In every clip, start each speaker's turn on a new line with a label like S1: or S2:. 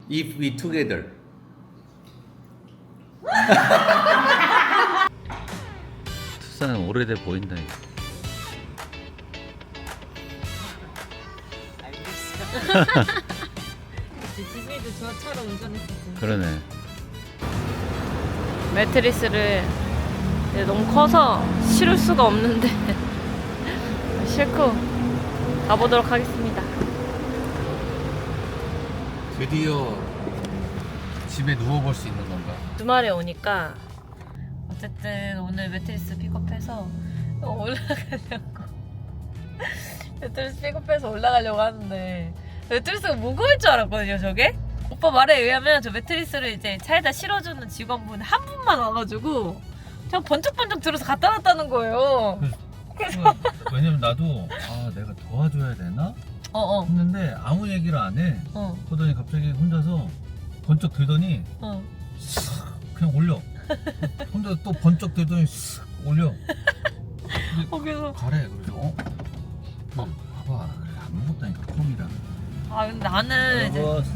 S1: If we together. 투싼 오래돼 보인다 이거.
S2: 알겠어. 지지도 저처럼 운전했었지.
S1: 그러네.
S2: 매트리스를 너무 커서 실을 수가 없는데 실고 가보도록 하겠습니다.
S1: 드디어 집에 누워볼 수 있는 건가?
S2: 주말에 오니까 어쨌든 오늘 매트리스 픽업해서 올라가려고 매트리스 픽업해서 올라가려고 하는데 매트리스가 무거울 줄 알았거든요. 저게 오빠 말에 의하면 저 매트리스를 이제 차에다 실어주는 직원분 한 분만 와가지고 그냥 번쩍번쩍 들어서 갖다 놨다는 거예요. 그래서
S1: 왜냐면 나도 내가 도와줘야 되나 했는데 아무 얘기를 안 해. 그러더니 갑자기 혼자서 번쩍 들더니 싹 그냥 올려. 혼자 또 번쩍 들더니 싹 올려.
S2: 그래서
S1: 가래. 그래서 봐봐. 그래, 안 먹었다니까 콤이랑.
S2: 근데 나는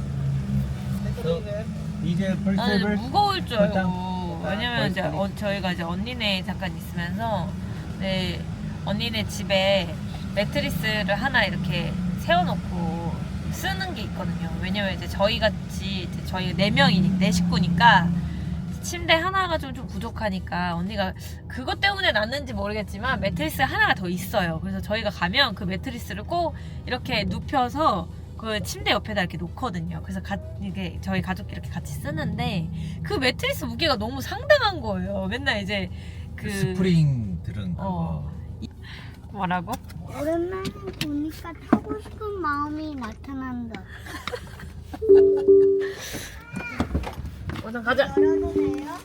S2: 이제
S1: 이제
S2: 무거울 줄 알고. 왜냐면 이제 저희가 이제 언니네 잠깐 있으면서 언니네 집에 매트리스를 하나 이렇게 세워놓고 쓰는 게 있거든요. 왜냐면 이제 저희 네 식구니까 침대 하나가 좀 부족하니까 언니가 그것 때문에 났는지 모르겠지만 매트리스 하나가 더 있어요. 그래서 저희가 가면 그 매트리스를 꼭 이렇게 눕혀서 그 침대 옆에다 이렇게 놓거든요. 그래서 이게 저희 가족끼리 이렇게 같이 쓰는데 그 매트리스 무게가 너무 상당한 거예요. 맨날 이제
S1: 스프링 들은 거.
S2: 뭐라고?
S3: 오랜만에 보니까 타고 싶은 마음이 나타난다.
S2: 우선 가자.
S3: 열어도 돼요?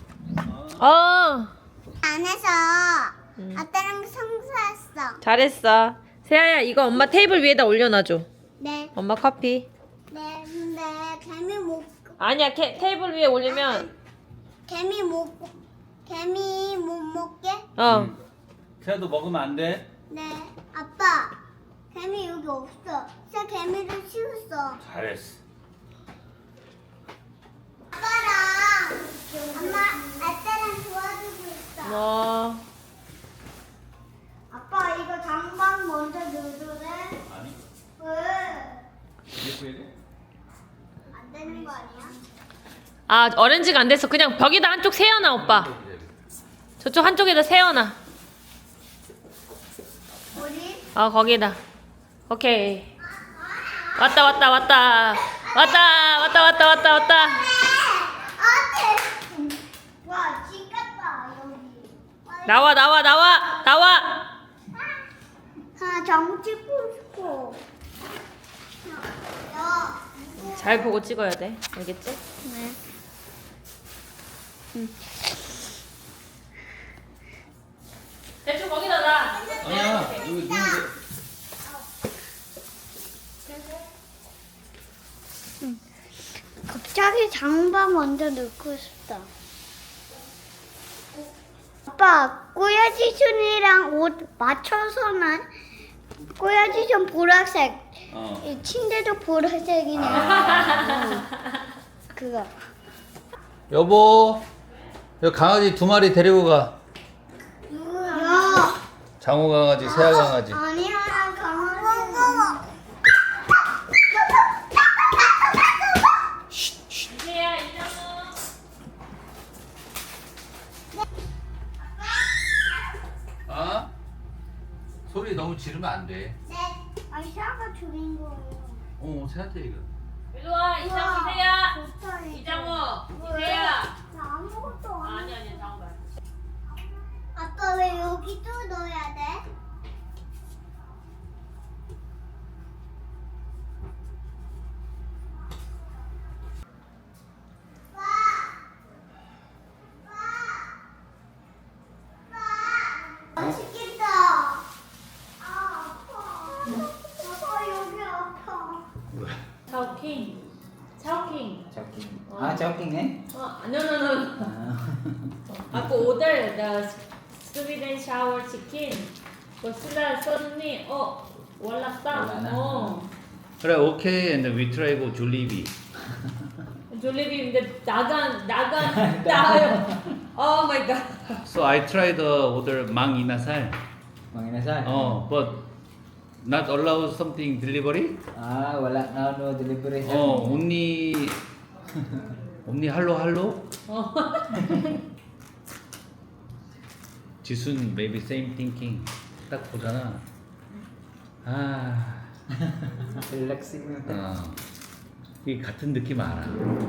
S3: 안에서 아빠랑 청소했어.
S2: 잘했어. 세아야, 이거 엄마 테이블 위에다 올려놔줘.
S3: 네.
S2: 엄마 커피.
S3: 네, 근데 개미 못
S2: 아니야, 테이블 위에 올리면
S3: 개미 못 먹게?
S1: 세아도 먹으면 안 돼?
S3: 네. 아빠, 개미 여기 없어. 진짜 개미를 치웠어.
S1: 잘했어.
S3: 아빠랑 아빠랑 도와주고 있어. 아빠 이거 장방 먼저 넣어줘래?
S1: 아니.
S3: 왜?
S1: 이렇게 해야 돼?
S3: 안 되는 거 아니야?
S2: 오렌지가 안 됐어. 그냥 벽에다 한쪽 세워놔, 오빠. 저쪽 한쪽에다 세워놔.
S3: 어디?
S2: 거기다. 오케이. 왔다.
S3: 와, 집 같다 여기.
S2: 나와.
S3: 장 찍고 싶어. 야,
S2: 잘 보고 찍어야 돼. 알겠지?
S3: 네.
S2: 대충 거기다 놔.
S1: 아니야. 여기 누는데.
S3: 갑자기 장방 먼저 넣고 싶다. 아빠, 꼬야지순이랑 옷 맞춰서는 꼬야지순 보라색. 이 침대도 보라색이네. 그거.
S1: 여보. 여기 강아지 2마리 데리고 가.
S3: 야.
S1: 장호 강아지, 세아 강아지.
S3: 아니야, 강아지.
S2: 세아, 이정우.
S1: 소리 너무 지르면 안 돼.
S3: 네. 아이샤가 줄인 거예요.
S1: 세아한테 이거.
S2: 일로 와. 이정우, 세아.
S3: 좋다, 이거.
S2: 이정우,
S3: 왜?
S2: 세아.
S3: 나 아무것도 안 해.
S2: 아니, 장우 말.
S3: 아빠 왜 여기 또 넣어야 돼? 맛있겠다. 아파. 아빠 여기 아파.
S2: 차오킹.
S4: joking eh?
S2: No. Aku order the sweet and sour chicken. Terus suddenly, wala
S4: Wala na.
S2: stock.
S1: 그래, 오케이. And we try go 줄리비.
S2: 졸리비인데 나간 나요. Oh my god.
S1: So I tried order mang inasal.
S4: Mang inasal?
S1: But not allow something delivery.
S4: Wala na no delivery sir.
S1: only hello. 지순 maybe same thinking. 딱 보잖아.
S4: Relaxing na.
S1: 이 같은 느낌 알아.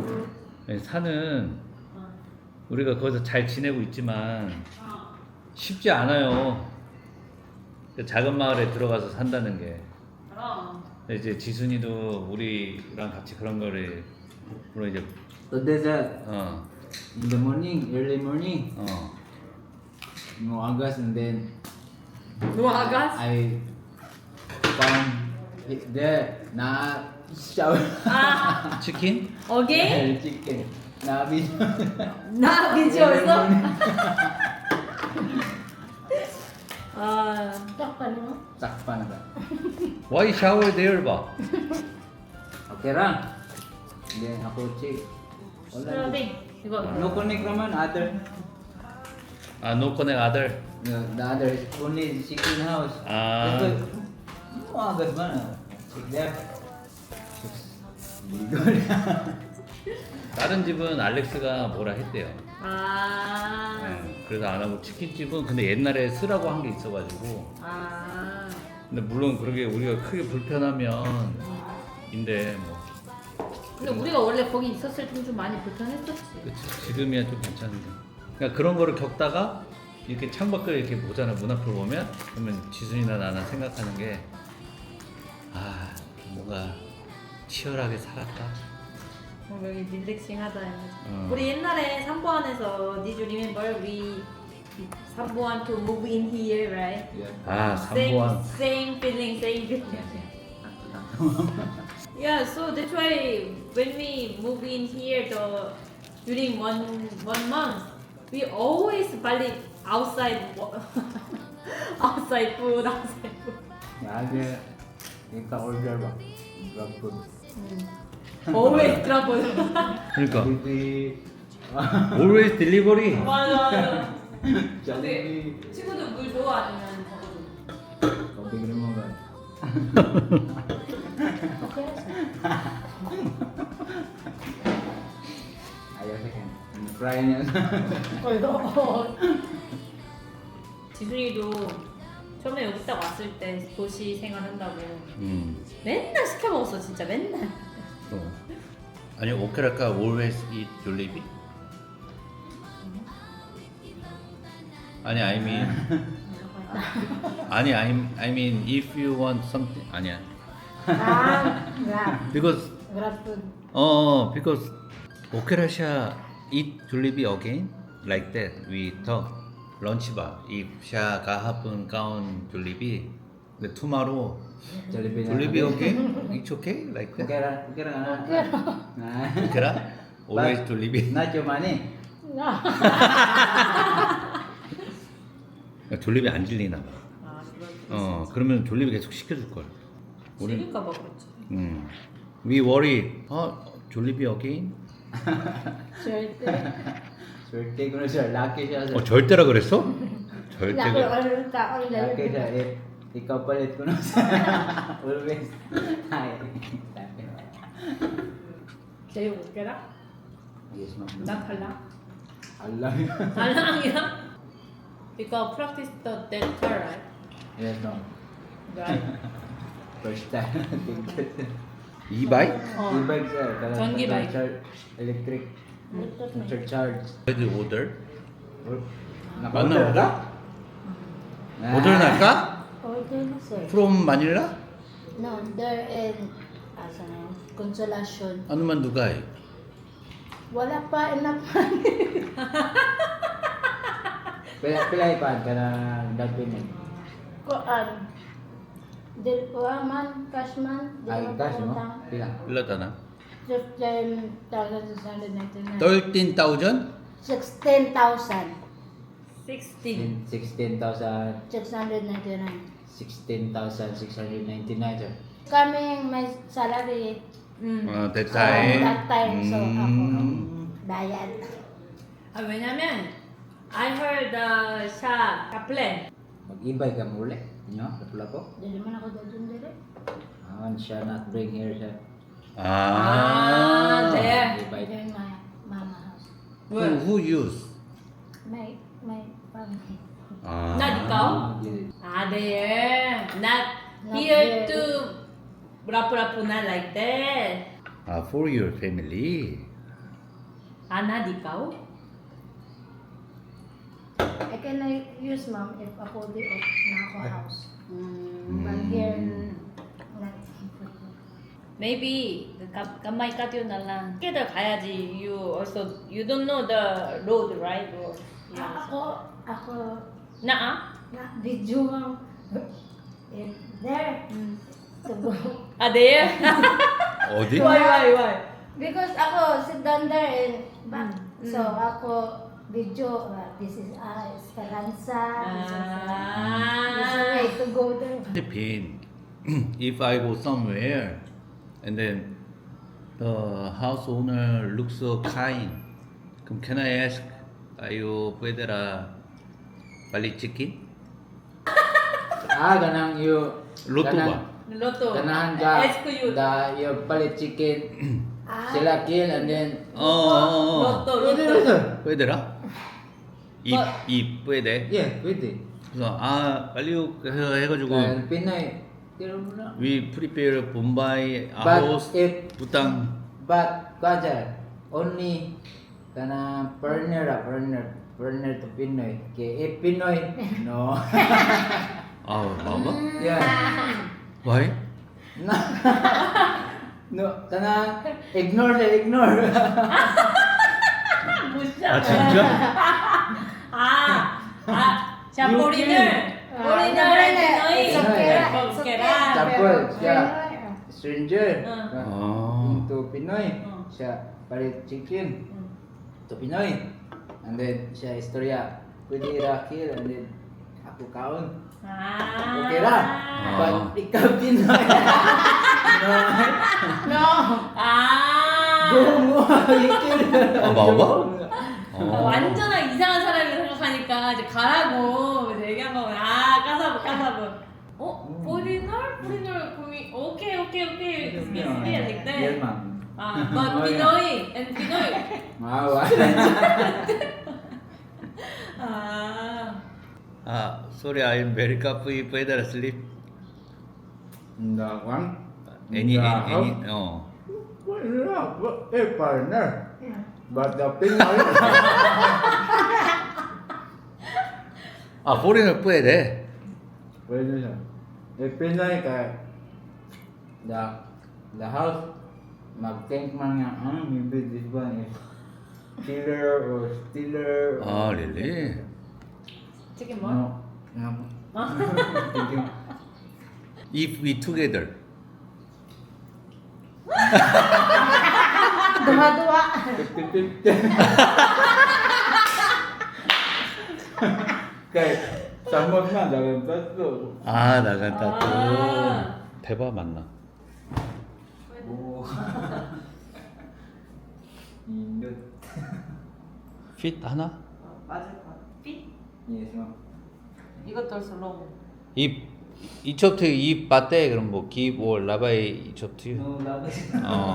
S1: 산은 우리가 거기서 잘 지내고 있지만 쉽지 않아요. 그 작은 마을에 들어가서 산다는 게. 근데 이제 지순이도 우리랑 같이 그런 거를 물론 이제
S4: Today sir, in the morning, early morning, no agas and then
S2: 노아가스?
S4: I found it there na shower.
S1: 치킨?
S2: 어게인?
S4: Chicken. Na video.
S2: 나 비주얼서?
S4: Sakpan na ba?
S1: Why shower there ba?
S4: Okay ra. Then ako check. Wala.
S2: 이거
S4: No connect naman other.
S1: No connect other.
S4: The other is only chicken house. No agas ba na? Check there.
S1: 다른 집은 알렉스가 뭐라 했대요. 그래서 안 하고 치킨집은 근데 옛날에 쓰라고 한 게 있어가지고. 근데 물론 그렇게 우리가 크게 불편하면 인데 뭐.
S2: 근데 우리가 원래 거기 있었을 때는 좀 많이 불편했었지.
S1: 그치. 지금이야 좀 괜찮은데. 그러니까 그런 거를 겪다가 이렇게 창밖을 이렇게 보잖아. 문 앞을 보면 그러면 지순이나 나나 생각하는 게 뭔가 치열하게 살았다.
S2: 여기 릴렉싱하다. 우리 옛날에 삼보안에서 Did you remember we 삼보안 to move in here, right?
S1: 삼보안.
S2: Same feeling. Yeah, so that's why when we move in here, during one month, we always buy outside food.
S4: Ada ika order ba? Grab food.
S2: Always trouble.
S1: 그러니까
S4: Delivery.
S1: always delivery.
S2: 맞아.
S4: Jollibee.
S2: 친구들 물 좋아 아니면
S4: Kopi mo ba? Ayaw sa akin. Cry niya.
S2: 지순이도 처음에 여기 딱 왔을 때 도시 생활한다고 맨날 시켜 먹었어 진짜 맨날.
S1: 아니 오케라카 always eat 졸리비? 아니 I mean if you want something 아니야. because because 오케라샤 eat 졸리비 again like that we talk lunch bar if 샤 가하분 가운 졸리비 근데 tomorrow
S4: Jollibee na.
S1: 졸리비 again it's okay like that.
S4: Okay ra. Okay ra.
S1: 오케라 always 졸리비.
S4: Not your money.
S1: 졸리비 안 질리나 봐. 그러면 졸리비 계속 시켜줄 걸.
S2: 질릴까 봐 그렇지.
S1: We worry. 졸리비 again?
S4: Swerte ko na sir. Lucky siya sir.
S1: 절대라 그랬어? 절대.
S4: Lucky siya. Ikaw palit ko na sir. Always. Hi.
S2: 제일 웃겨라?
S4: Yes ma'am.
S2: 나 달라?
S4: Allah.
S2: 달랑이야? Because practice that car, right?
S4: Yes ma'am.
S2: Right.
S4: First time.
S1: 이바이?
S4: E-bike sir.
S2: 전기 bike.
S4: Electric. Charge.
S1: 레드 오더?
S4: Naka-order ka?
S1: 오더 날까?
S5: Order na sir.
S1: From Manila?
S5: No, there in Consolacion.
S1: Ano man dugay?
S5: Wala pa enough money.
S4: Pila ipad ka na down payment?
S5: Kuan. Dil ko man, cash man.
S4: Ay, cash mo? Pila?
S1: 일러다 나.
S5: 15,699.
S1: 13,000?
S5: 16,000.
S2: 16.
S4: 16,000.
S5: 699.
S4: 16,699 sir.
S5: Kaming may salary
S4: that
S5: That
S4: time.
S5: time, so ako, bayad.
S2: 왜냐면 I heard siya kaplen.
S4: Mag-ibay ka muli. Inyo, lapu-lapu.
S5: Dili man ako doon dire.
S4: Siya not bring here siya.
S2: there.
S4: Ibay.
S5: There in my mama house.
S4: Who use?
S5: My family.
S2: Not ikaw? There. Not here
S5: here.
S2: to rapu-rapu na like that.
S4: For your family.
S2: Not ikaw?
S5: I can use mom if ako di off na ako house. But here, not.
S2: Maybe kamay ka yun na lang. Together 가야지. You don't know the road, right? Or,
S5: Ako,
S2: na
S5: video mom. There, to go.
S2: there?
S4: 어디?
S2: Why?
S5: Because ako sit down there and back. So ako video, this is Esperanza. This is way to go there.
S4: Philippines. If I go somewhere and then the house owner looks so kind, 그럼 can I ask, ayo puedera bali chicken? Ganang you
S1: 로또 봐.
S2: Loto.
S4: Ganahan ka
S2: Ask you.
S4: yung bali chicken sila kill and then
S2: Loto.
S4: puedera? 이 puede?
S1: 예, pwede.
S4: 그래서 빨리 해가지고
S1: Pinoy.
S4: we prepare Bombay
S1: But
S4: house
S1: if
S4: utang
S1: but kaja only kana partner to Pinoy. If Pinoy no.
S4: 봐봐.
S1: Yeah.
S4: Why?
S1: No, kana ignore.
S4: 진짜?
S2: 자, foreigner.
S5: It's okay.
S1: Tapos siya stranger
S4: Ah.
S1: into Pinoy. Siya palit chicken to Pinoy. And then siya istorya. Pwede rakil and then ako kaon. Okay ra. But ikaw Pinoy.
S5: No.
S1: Go mo. Ikil.
S4: 봐봐.
S2: 완전한 이상한 사람이 생각하니까 이제 가라고 이제 얘기한 거면 까사브. foreigner 그럼 오케이. like that.
S1: Yes, ma'am.
S2: But Pinoy and Pinoy.
S4: Sorry, I am very happy. Puede sleep.
S1: The one.
S4: Any.
S1: Partner. But the Pinoy.
S4: foreigner puede.
S1: Pwede siya. If Pinoy ka, the house, mag-think man nga, maybe this one is killer or stealer.
S4: Really?
S2: chicken more?
S1: No. Thinking,
S4: If we together.
S5: Dua-dua.
S1: 50-50. Kaya, samot na, dalam tatlo.
S4: 나간다 또. 대박 맞나?
S1: Oo. Indot.
S4: Fit 하나?
S2: 맞을 것 같아.
S1: Yes, ma'am.
S2: 이것도 also long.
S4: 이 첩트 이 바테 그럼 뭐 give or 라바이 이 첩트.
S1: No, labas.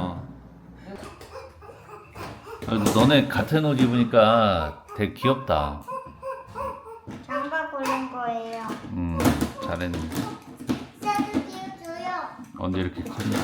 S4: 너네 같은 옷 입으니까 되게 귀엽다.
S3: 장바 고른 거예요.
S4: 잘했네.
S3: 쌀도 띄워줘요.
S4: 언제 이렇게 컸냐?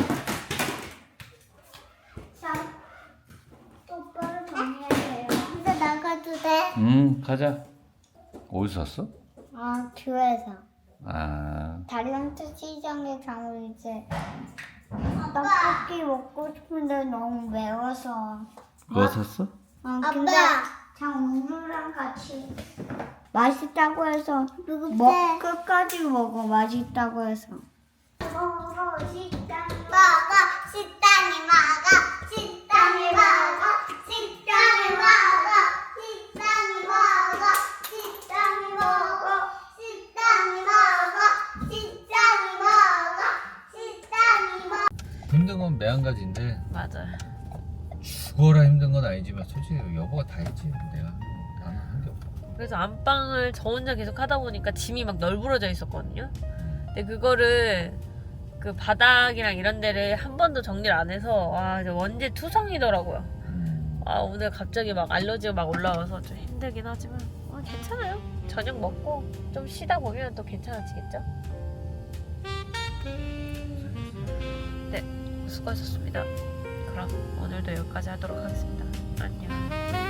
S3: 똑바로 정리해야 돼요. 근데 나가도 돼?
S4: 가자. 어디서 샀어?
S3: 교회에서. 다리언트 시장에 가면 이제 떡볶이 먹고 싶은데 너무 매워서.
S4: 뭐 샀어?
S3: 근데 장우유랑 같이 맛있다고 해서 끝까지 먹어. 맛있다고 해서. 먹어 식당이 먹어 식당이 먹어 식당이 먹어 식당이 먹어 식당이 먹어 식당이 먹어 식당이 먹어 식당이 먹어 식당이 먹어.
S1: 힘든 건 매한가지인데
S2: 맞아.
S1: 죽어라 힘든 건 아니지만 솔직히 여보가 다 했지. 나는 한 게 없어.
S2: 그래서 안방을 저 혼자 계속 하다 보니까 짐이 막 널브러져 있었거든요. 근데 그거를 그 바닥이랑 이런 데를 한 번도 정리를 안 해서 와 이제 원재 투성이더라고요. 아 오늘 갑자기 막 알러지가 막 올라와서 좀 힘들긴 하지만 괜찮아요. 저녁 먹고 좀 쉬다 보면 또 괜찮아지겠죠? 네, 수고하셨습니다. 그럼 오늘도 여기까지 하도록 하겠습니다. 안녕.